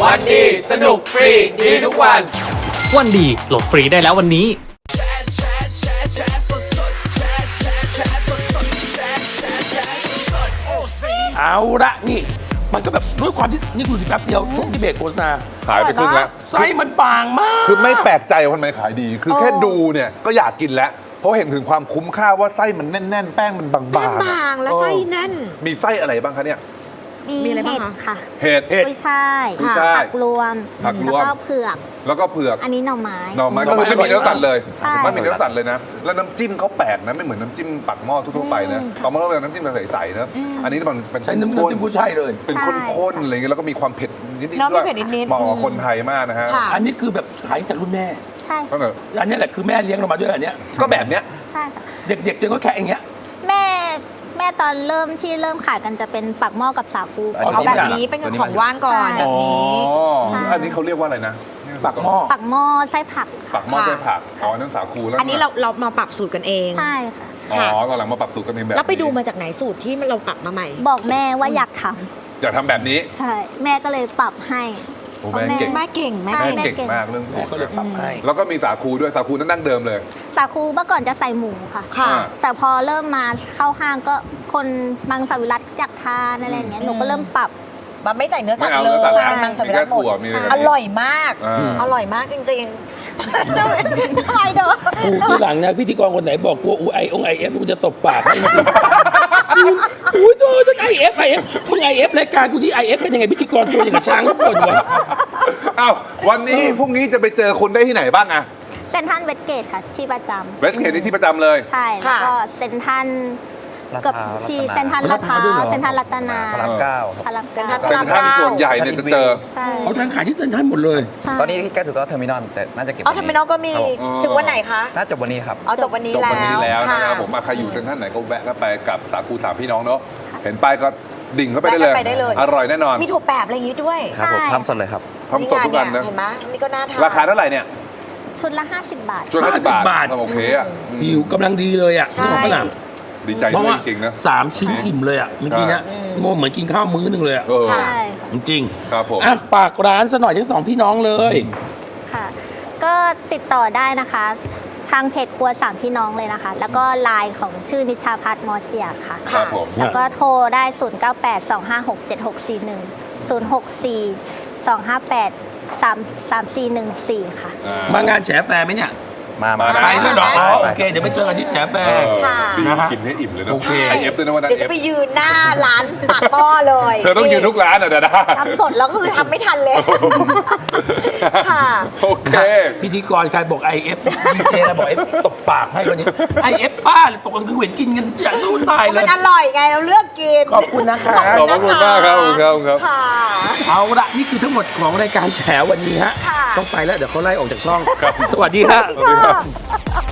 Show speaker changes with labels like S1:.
S1: วันดีสนุกฟรีดีทุกวัน
S2: วันดีโหลดฟรีได้แล้ววันนี้
S3: เอาละนี่มันก็แบบด้วยความที่นี่คือสิแป๊บเดียวช่วงที่เบรกโฆษณา
S4: ขายไปครึ่งแล้ว
S3: ไส้มันบางมาก
S4: คือไม่แปลกใจว่าทำไมขายดี คือแค่ดูเนี่ยก็อยากกินแล้ว เพราะเห็นถึงความคุ้มค่าว่าไส้มันแน่นๆ แป้งมันบางๆ
S5: แป้งบางและไส้แน่น
S4: มีไส้อะไรบ้างคะเนี่ย
S5: มีอะไรบ้า
S6: เห็
S5: ง
S6: ด
S5: คะ
S6: ค่ะ
S4: เห็ด
S6: กุ้ยช่าย
S4: กุ้ยช่าย
S6: ผักรวม
S4: ผักรวม
S6: แล้วก็เผือก
S4: แล้วก็เผือก
S6: อันนี้หน่อไม้
S4: หน่อไม้ก็คือไม่มีเนื้อสัตว์เลย
S6: ใช่
S4: ไม่มีเนื้อสัตว์เลยนะ แล้วน้ำจิ้มเขาแปลกนะไม่เหมือนน้ำจิ้มปักหม้อทั่วๆไปนะเขาไม่ต้องเป็นน้ำจิ้มใสๆนะอันนี้มันเป็น
S3: ใช้น้ำ
S4: ข้น
S3: จิ้มผู้ชายเลย
S4: เป็นข้นๆอะไรเงี้ยแล้วก็มีความเผ็ดนิดๆ
S5: เนอะ
S4: ด้วย
S5: มีเผ็ดนิดๆ
S4: เหมาะกับคนไทยมากนะฮะ
S5: ค่ะ
S3: อันนี้คือแบบขายจากรุ่นแม่
S6: ใช่
S4: ก็
S6: ค่ะ
S3: อันนี้แหละคือแม่เลี้ยงเรามาด้วยอันเนี้ย
S4: ก็แบบเนี้ย
S6: ใช่ค่ะ
S3: เด็กๆก็แค่อย่างเงี้ย
S6: แม่ตอนเริ่มขายกันจะเป็นปักหม้อกับสาคู
S3: อ๋อ
S5: เอาแบบนี้เป็นของว่างก่อน
S6: ใช่
S5: แบบนี้
S4: อ๋อ
S6: ใช่
S4: อันนี้เขาเรียกว่าอะไรนะ
S3: ปักหม้อ
S6: ปักหม้อไส้ผัก
S4: ปั
S6: ค่ะ
S4: กหม้อไส้ผักอ๋อนั่นสาคูแล้ว
S5: อันนี้เรามาปรับสูตรกันเอง
S6: ใช่ค่ะ
S4: อ๋อตอนหลังมาปรับสูตรกันเองแบบ
S5: แล้วไปดูมาจากไหนสูตรที่เราปรับมาใหม่
S6: บอกแม่ว่าอยากท
S4: อยากทำแบบนี้
S6: ำใช่ แม่ก็เลยปรับให้
S4: โอ้แม่เก่ง
S5: แม่เก่ง
S6: ใช่
S4: แม่เก่งมากเรื่องสู
S3: แม่
S4: ตร
S3: ก็เลยปรับให้
S4: แล้วก็มีสาคูด้วยสาคูนั่นดั้งเดิมเลย
S6: สาคูเมื่อก่อนจะใส่หมูค่ะ
S5: ค่ะ
S6: แต่พอเริ่มมาเข้าห้างก็คนมังสวิรัตอยากทานอะไรอย่างเงี้ยหนูก็เริ่มปรับ
S5: มันไม่ใส่เนื้อสัตว์
S4: ไม่เอา
S5: เล
S4: เนื้อสัตว์
S5: ย
S4: นะ
S5: มังสวิรัติหม
S4: มีแค่ถั่ว
S5: ด
S4: มีอะไร
S5: อร่อยมาก
S4: อ่า
S5: อร่อยมากจริงๆทำไมเด้อ
S3: กูที่หลังนะพิธีกรคนไหนบอกกูไอเอฟกูจะตบปากให้มันอุ้ยตัวฉันไอเอฟมึงไอเอฟรายการกูที่ไอเอฟเป็นยังไงพิธีกรตัวอย่างกับช้างทุกคนวะ
S4: อ้าววันนี้พรุ่งนี้จะไปเจอคุณได้ที่ไหนบ้างอะ
S6: เซนทรันเวสเกตค่ะ ที่ประจำ
S4: เวสเกตนี่ที่ประจำเลย
S6: ใช่ แล้วก็เซนทรันเกับที่เซนทรันลาดพร้าวเซนทรันรัตนา
S4: พระรามเก้า
S6: พระรามเก้า
S5: พ
S4: เซ็
S5: ระ
S4: น
S5: ราม
S4: ทรัลส่วนใหญ่เนี่ยจะเจอ
S6: ใช่
S3: เขาทางขายที่เซ็นทรัลหมดเลย
S6: ใช่
S7: ตอนนี้ที่ใกล้สุดก็เทอร์มินอลแต่น่าจะเก็บ
S5: เอาทำไมน้องก็มี
S4: อ๋อ
S5: ถึงวันไหนคะ
S7: น่าจบวันนี้ครับ
S5: เอาจบวันนี้
S4: จบ
S5: แล้ว
S4: วันนี้แล้วนะครับ
S5: ะ
S4: ผมใครอยู่เซ็นทรัลไหนก็แวะก็ไปกับสาคูสามพี่น้องเนาะเห็นป้ายก็ดิ่งเข้าไปได้เลย
S5: แวะกันไปได้เลย
S4: อร่อยแน่นอน
S5: มีถั่วแปบอะไรอย่างนี้ด้วย
S7: ครับผม
S6: ใช่
S7: ทำสดเลยครับ
S4: ทำสดทุกวันนะ
S5: เห็นไหมนี่ก็น่าทาน
S4: ราคาเท่าไหร่เนี่ย
S6: ชุดละ 50 บาท
S4: จุด50 บาท
S3: บาท
S4: โอเคอ่ะ
S3: อยู่กำลังดีเลยอ่ะ
S5: ใช่
S3: ของฝรั่ง
S4: ดีใจ
S3: เพราะ
S4: ด้วย
S3: ว่า
S4: จริงๆนะ
S3: 3 ชิ้นอิ่มเลยอ่ะเมื่อกี้เนี้ยโมเหมือนกินข้าวมื้อหนึงเลยอ่ะ
S4: เออ
S6: ใช่ค่ะ
S3: จริง
S4: ครับผม
S3: อ่ะฝากร้านซะหน่อยทั้งสองพี่น้องเลย
S6: ค่ะ ก็ติดต่อได้นะคะ ทางเพจครัวสามพี่น้องเลยนะคะ แล้วก็ไลน์ของชื่อนิชาพัฒน์มอเจียค่ะ
S4: ครับผม
S6: แล้วก็โทรได้ 0982567641 064-258-3414 ค่ะ
S3: มางานแฉแฟร์ไหมเนี่ย
S7: มา
S3: ไปด้วยเหรออ๋อ
S7: ไป
S3: โอเค เดี๋ยวไปเจอกันที่แฉแฟ
S4: เอ
S3: ร์
S4: อ
S5: ค่ะ
S4: ดี
S3: นะฮะ
S4: กินให้อิ่มเลยนะ
S3: โอเค
S4: ไอเอฟด้วยนะวันนั้น
S5: เดี๋ยว
S4: เอ
S5: จะ
S4: ฟ
S5: ไปยืนหน้าร้านปากหม้อเลย
S4: เธอต้องยืนทุกร้านอ่ะเดี๋ยวนะ
S5: ทำสดแล้วก็คือทำไม่ทันเลย ค่ะ
S4: โอเค
S3: พิธีกรใครบอก IF ดีเจนะบอก IF ตบปากให้วันนี้ IF ป้าเลยตกกลางคืนเห็นกินกันอย่างสู้ตายเล
S5: มั
S3: ย
S5: นอร่อยไงเราเลือกกิน
S3: ขอบคุณนะคะ
S4: ขอบคุณมากครับขอบคุณครับขอบคุณครับ
S5: ค่ะ
S3: เอาละนี่คือทั้งหมดของรายการแฉวันนี้ฮะ
S5: ค่ะ
S3: ต้องไปแล้วเดี๋ยวเขาไล่ออกจากช่อง สวัสดีฮะ
S4: สวัสดีครับ
S5: ค่ะ